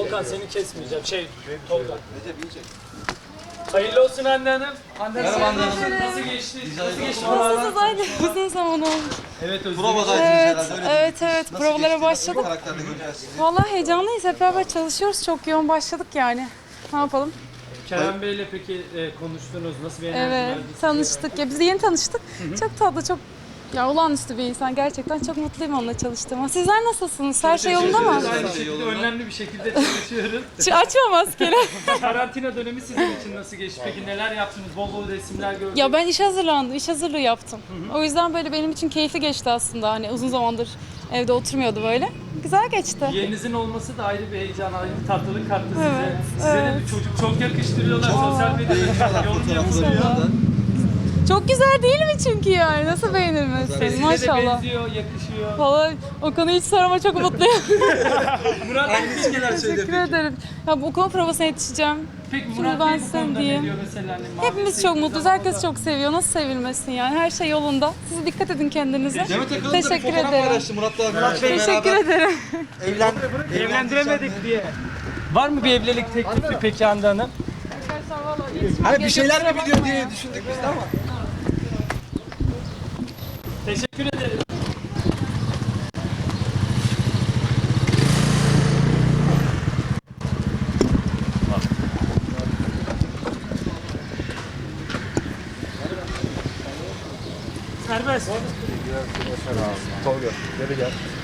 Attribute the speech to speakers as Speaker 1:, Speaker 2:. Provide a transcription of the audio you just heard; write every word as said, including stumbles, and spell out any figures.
Speaker 1: Volkan seni kesmeyeceğim. Şey, Tolga. Recep yiyecek. Hayırlı olsun Hande Hanım. Hande Hanım, nasıl geçti? Nasıl geçti
Speaker 2: Nasılsınız aynı uzun zaman olmuş.
Speaker 1: Evet, özledim.
Speaker 3: Provadaydınız
Speaker 2: Evet,
Speaker 3: herhalde öyle
Speaker 2: evet,
Speaker 3: değil mi?
Speaker 2: evet.
Speaker 3: Nasıl
Speaker 2: Provalara
Speaker 3: geçti? Nasıl bir
Speaker 2: başladık.
Speaker 3: karakterde göreceğiz sizi?
Speaker 2: Vallahi heyecanlıyız. Hep beraber çalışıyoruz. Çok yoğun başladık yani. Ne yapalım?
Speaker 1: Kerem Bey'le peki e, konuştunuz. Nasıl bir enerji
Speaker 2: Evet,
Speaker 1: verdi size?
Speaker 2: tanıştık. Ya biz de yeni tanıştık. Çok tatlı, çok ya olağanüstü bir insan. Gerçekten çok mutluyum onunla çalıştığıma. Sizler nasılsınız? Her şey yolunda mı?
Speaker 1: Aynı şekilde önlemli bir şekilde çalışıyoruz.
Speaker 2: Şu açma maskeni.
Speaker 1: Karantina dönemi sizin için nasıl geçti? Peki neler yaptınız? Bol bol resimler gördük.
Speaker 2: Ya ben iş hazırlandım, iş hazırlığı yaptım. O yüzden böyle benim için keyifli geçti aslında. Hani uzun zamandır evde oturmuyordu böyle. Güzel geçti.
Speaker 1: Yeğeninizin olması da ayrı bir heyecan, ayrı bir tatlılık kattı size.
Speaker 2: Evet,
Speaker 1: Size de
Speaker 2: evet.
Speaker 1: bir çocuk çok yakıştırıyorlar. Sosyal medyada yorum yapılıyor.
Speaker 2: Çok güzel değil mi çünkü yani? Nasıl beğenilmez?
Speaker 1: Size de
Speaker 2: Maşallah.
Speaker 1: benziyor, yakışıyor.
Speaker 2: Vallahi o konuyu hiç sorma, çok mutluyum.
Speaker 1: Murat Bey,
Speaker 3: Hangisi genel söyledi
Speaker 2: Teşekkür
Speaker 3: peki?
Speaker 2: ederim. Ya bu okul provasına yetişeceğim.
Speaker 1: peki
Speaker 2: Şimdi
Speaker 1: Murat
Speaker 2: ben
Speaker 1: Bey bu
Speaker 2: size
Speaker 1: konuda ne
Speaker 2: diyeyim.
Speaker 1: diyor mesela? Hani mavi
Speaker 2: Hepimiz çok
Speaker 1: sevdiğiniz
Speaker 2: mutluyuz.
Speaker 1: zaman
Speaker 2: Herkes
Speaker 1: da-
Speaker 2: çok seviyor. Nasıl sevilmesin yani? Her şey yolunda. Siz dikkat edin kendinize.
Speaker 3: Demet Akalın da bir
Speaker 2: Teşekkür
Speaker 3: fotoğraf
Speaker 2: ederim.
Speaker 3: paylaştı Murat'la Murat Bey
Speaker 2: Teşekkür
Speaker 3: beraber
Speaker 2: ederim.
Speaker 3: evlen,
Speaker 1: Evlendiremedik diye. Var mı bir evlilik teklifi peki Hande Hanım?
Speaker 3: Hani bir şeyler mi biliyor diye düşündük biz de ama.
Speaker 1: Teşekkür ederim. Serbest.
Speaker 3: Tolga, geri gel.